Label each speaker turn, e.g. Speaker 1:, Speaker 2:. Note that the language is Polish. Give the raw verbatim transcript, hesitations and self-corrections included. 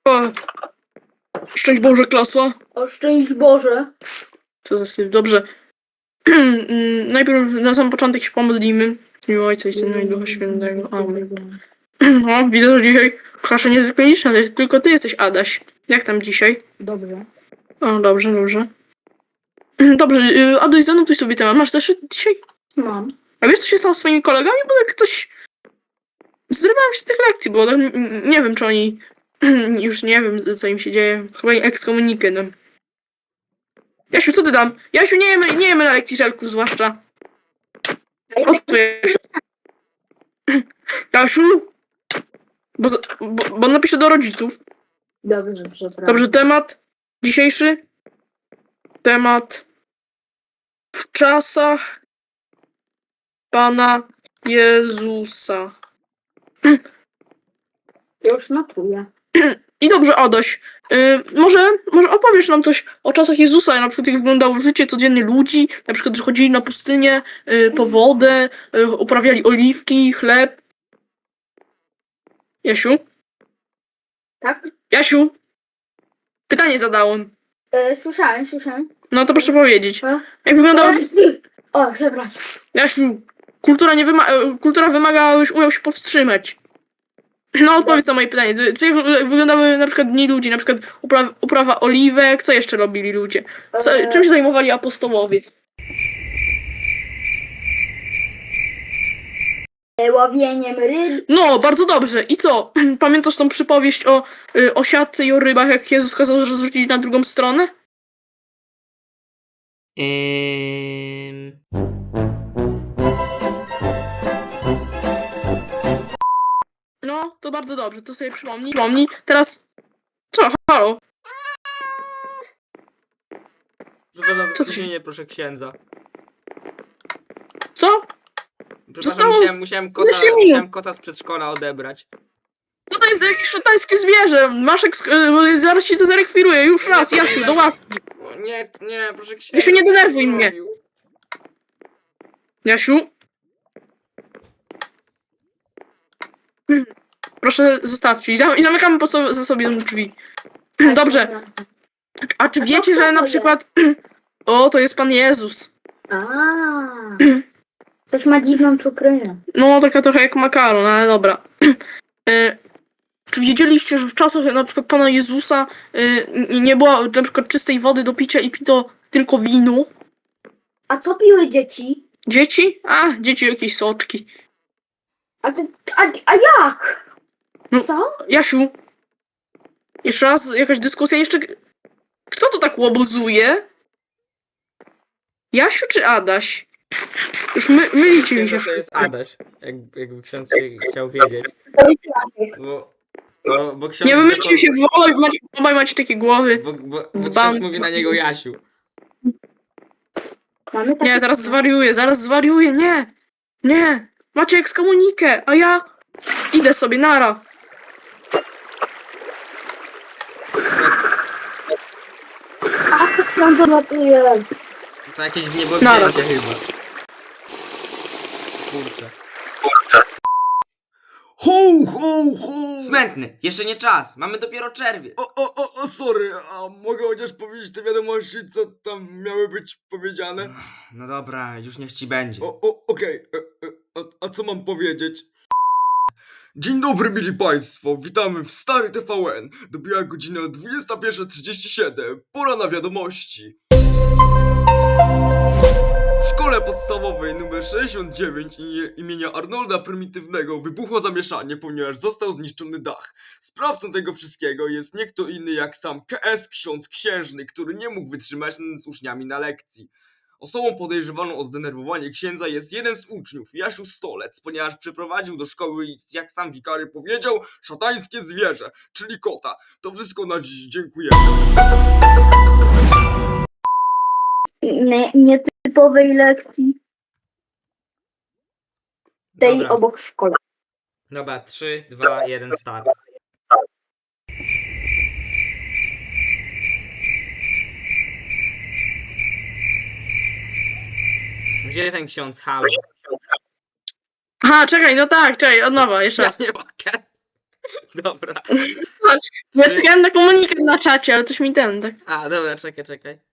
Speaker 1: O, szczęść Boże, klasa.
Speaker 2: O szczęść Boże.
Speaker 1: Co za syf, dobrze. Najpierw na sam początek się pomodlimy. W imię Ojca i Syna i Ducha Świętego. Amen. No, widzę, że dzisiaj klasza niezwykle liczna, tylko ty jesteś Adaś. Jak tam dzisiaj?
Speaker 2: Dobrze.
Speaker 1: O, dobrze, dobrze. Dobrze, y, Adaś, zanotuj sobie temat. Masz zeszyt dzisiaj?
Speaker 2: Mam.
Speaker 1: A wiesz, co się stało z swoimi kolegami? Bo tak coś... Zrywałem się z tych lekcji, bo tak, n- nie wiem, czy oni... Już nie wiem, co im się dzieje. Chyba ekskomunikę dam. Jasiu, co ty dam? Jasiu, nie jemy, nie jemy na lekcji żelków, zwłaszcza. O co, Jasiu? Jasiu? Bo, za- bo, bo napiszę do rodziców.
Speaker 2: Dobrze, przepraszam.
Speaker 1: Dobrze, temat dzisiejszy. Temat w czasach Pana Jezusa.
Speaker 2: Już notuję.
Speaker 1: I dobrze, Adaś, y, może, może opowiesz nam coś o czasach Jezusa, na przykład jak wyglądało życie codzienne ludzi, na przykład, że chodzili na pustynię y, po wodę, y, uprawiali oliwki, chleb. Jasiu?
Speaker 2: Tak?
Speaker 1: Jasiu? Pytanie zadałem.
Speaker 2: E, słyszałem, słyszałem.
Speaker 1: No to proszę powiedzieć.
Speaker 2: E?
Speaker 1: Jak wyglądało...
Speaker 2: O, przepraszam.
Speaker 1: Jasiu, kultura nie wyma... e, kultura wymaga, abyś umiał się powstrzymać. No, odpowiedz na moje pytanie. Co jak wy- wyglądały na przykład dni ludzi, na przykład uprawa, uprawa oliwek, co jeszcze robili ludzie? Co,
Speaker 2: Eee.
Speaker 1: czym się zajmowali apostołowie?
Speaker 2: Łowieniem ryb.
Speaker 1: No, bardzo dobrze. I co? Pamiętasz tą przypowieść o, y, o siatce i o rybach, jak Jezus kazał rozrzucić na drugą stronę?
Speaker 3: Ym...
Speaker 1: No, to bardzo dobrze, to sobie przypomnij. Przypomnij. Teraz... Co? Halo?
Speaker 3: Przepraszam,
Speaker 1: Co to się-
Speaker 3: opóźnienie, proszę księdza.
Speaker 1: Co?
Speaker 3: Przepraszam,
Speaker 1: Zostało
Speaker 3: musiałem, musiałem, kota,
Speaker 1: dwanaście minut.
Speaker 3: musiałem kota z przedszkola odebrać.
Speaker 1: No to jest jakieś szatańskie zwierzę. Masz eks... y, zaraz ci to zarekwiruję. Już raz, Jasiu, do ławki.
Speaker 3: O, nie, nie, proszę księdza.
Speaker 1: Jasiu, nie denerwuj
Speaker 3: co
Speaker 1: mnie.
Speaker 3: zrobił?
Speaker 1: Jasiu? Proszę, zostawcie. I zam- i zamykamy po so- za sobie drzwi. Dobrze. A czy wiecie, że na przykład... O, to jest Pan Jezus.
Speaker 2: A. Coś ma dziwną czukrynę.
Speaker 1: No, taka trochę jak makaron, ale dobra. E, Czy wiedzieliście, że w czasach na przykład Pana Jezusa y, n- nie było na przykład czystej wody do picia i pito tylko wino?
Speaker 2: A co piły dzieci?
Speaker 1: Dzieci? A, dzieci jakieś soczki.
Speaker 2: A, ty, a, a jak?
Speaker 1: No.
Speaker 2: Co?
Speaker 1: Jasiu, jeszcze raz jakaś dyskusja, jeszcze... Kto to tak łobuzuje? Jasiu czy Adaś? Już my, mylicie mi się.
Speaker 3: Księdza to jest Adaś, jak, jakby ksiądz się chciał wiedzieć. Bo, bo, bo ksiądz...
Speaker 1: Nie wymylicie się, bo obaj macie, obaj macie takie głowy.
Speaker 3: Bo, bo, bo
Speaker 1: Dzban.
Speaker 3: ksiądz mówi na niego Jasiu.
Speaker 2: Mamy takie
Speaker 1: Nie, zaraz
Speaker 2: same.
Speaker 1: zwariuję, zaraz zwariuję, nie! Nie! Macie ekskomunikę, a ja idę sobie, nara.
Speaker 2: Ach, pan to notuje.
Speaker 3: To jakieś
Speaker 1: Nara.
Speaker 3: niebowzięcie chyba. Kurczę.
Speaker 4: Ho, ho, ho!
Speaker 3: Smętny, jeszcze nie czas, mamy dopiero czerwiec.
Speaker 4: O, o, o, o, sorry, a mogę chociaż powiedzieć te wiadomości, co tam miały być powiedziane?
Speaker 3: No dobra, już niech ci będzie.
Speaker 4: O, o, okej, e, e, a, a co mam powiedzieć? Dzień dobry, mili państwo, witamy w Stary T V N. Dobiła godzina dwudziesta pierwsza trzydzieści siedem, pora na wiadomości. W szkole podstawowej nr sześćdziesiąt dziewięć imię- imienia Arnolda Prymitywnego wybuchło zamieszanie, ponieważ został zniszczony dach. Sprawcą tego wszystkiego jest nie kto inny jak sam K S ksiądz księżny, który nie mógł wytrzymać z uczniami na lekcji. Osobą podejrzewaną o zdenerwowanie księdza jest jeden z uczniów, Jasiu Stolec, ponieważ przeprowadził do szkoły, jak sam wikary powiedział, szatańskie zwierzę, czyli kota. To wszystko na dziś, dziękujemy.
Speaker 2: Nie, nietypowej lekcji. Tej
Speaker 3: Dobra,
Speaker 2: obok szkoły.
Speaker 3: dobra, trzy, dwa, jeden, start. Gdzie ten ksiądz? Halo.
Speaker 1: Aha, czekaj, no tak, czekaj, od nowa, jeszcze
Speaker 3: Ja
Speaker 1: raz.
Speaker 3: nie mogę. Dobra.
Speaker 1: Ja
Speaker 3: Trzy...
Speaker 1: czekałem na komunikat na czacie, ale coś mi ten, tak.
Speaker 3: A, dobra, czekaj, czekaj.